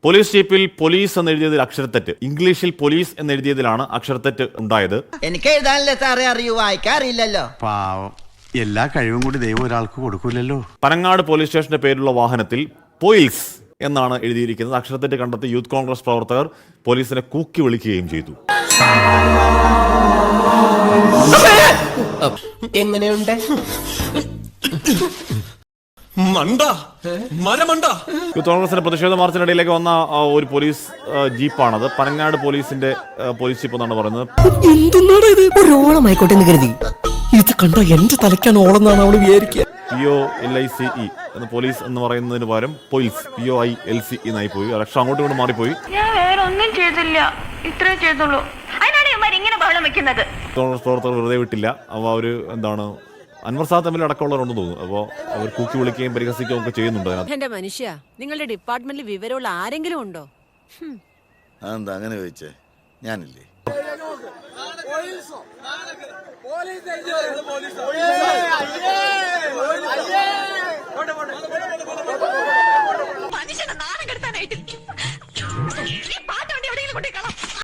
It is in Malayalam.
പോലീസ് ജീപ്പിൽ പോലീസ് എന്നെഴുതിയതിൽ അക്ഷരത്തെറ്റ്, ഇംഗ്ലീഷിൽ പോലീസ് എന്നെഴുതിയതിലാണ് അക്ഷരത്തെറ്റ് ഉണ്ടായത്. എനിക്ക് എഴുതാനല്ലേ സാറേ അറിയൂ, വായിക്കാറില്ലല്ലോ. പാവം, എല്ലാ കഴിവും കൂടി ദൈവം ഒരാൾക്ക് കൊടുക്കൂലല്ലോ. പനങ്ങാട് പോലീസ് സ്റ്റേഷന്റെ പേരിലുള്ള വാഹനത്തിൽ പോയിൽസ് എന്നാണ് എഴുതിയിരിക്കുന്നത്. അക്ഷരത്തെറ്റ് കണ്ടെത്തി യൂത്ത് കോൺഗ്രസ് പ്രവർത്തകർ പോലീസിനെ കൂക്കി വിളിക്കുകയും ചെയ്തു. എങ്ങനെയുണ്ട്? യൂത്ത് കോൺഗ്രസിന്റെ പ്രതിഷേധ മാർച്ചിനിടയിലേക്ക് വന്ന ഒരു പോലീസ് ജീപ്പാണത്. പനങ്ങാട് പോലീസിന്റെ പോലീസ് ജീപ്പ് എന്നാണ് പറയുന്നത്. എന്തുന്നാണ് ഇത്? ഒരോളമായിക്കോട്ടെ എന്ന് കരുതി. ഇത് കണ്ട എന്റെ തലയ്ക്കാണ് ഓളെന്നാണ് അവള് വിചാരിക്കുക. POLICE എന്ന് പോലീസ് എന്ന് പറയുന്നതിന് പകരം പോയിൽസ് POILC എന്നായി പോയി. അക്ഷരം അങ്ങോട്ടും ഇങ്ങോട്ട് മാറിപ്പോയി. ഞാൻ വേറെ ഒന്നും ചെയ്തില്ല, ഇത്രേ ചെയ്തുള്ളൂ. അതിനാണ് ഇവന്മാർ ഇങ്ങനെ ബഹളം വെക്കുന്നത്. കോൺഗ്രസ് പ്രവർത്തകർ വെറുതെ വിട്ടില്ല. അപ്പോൾ അവർ അൻവർ സാദ് തമ്മിൽ അടക്കമുള്ളവരുണ്ടെന്ന് തോന്നുന്നു. അപ്പോൾ അവർ കൂക്കി വിളിക്കുകയും പരിഹസിക്കുകയും ഒക്കെ ചെയ്യുന്നുണ്ട്. എന്റെ മനുഷ്യ, നിങ്ങളുടെ ഡിപ്പാർട്ട്മെന്റിൽ വിവരമുള്ള ആരെങ്കിലും ഉണ്ടോ? അതെന്താ അങ്ങനെ ചോദിച്ചേ? ഞാനില്ലേ? മനുഷ്യനെ നാണം കെടുത്താനായിട്ട്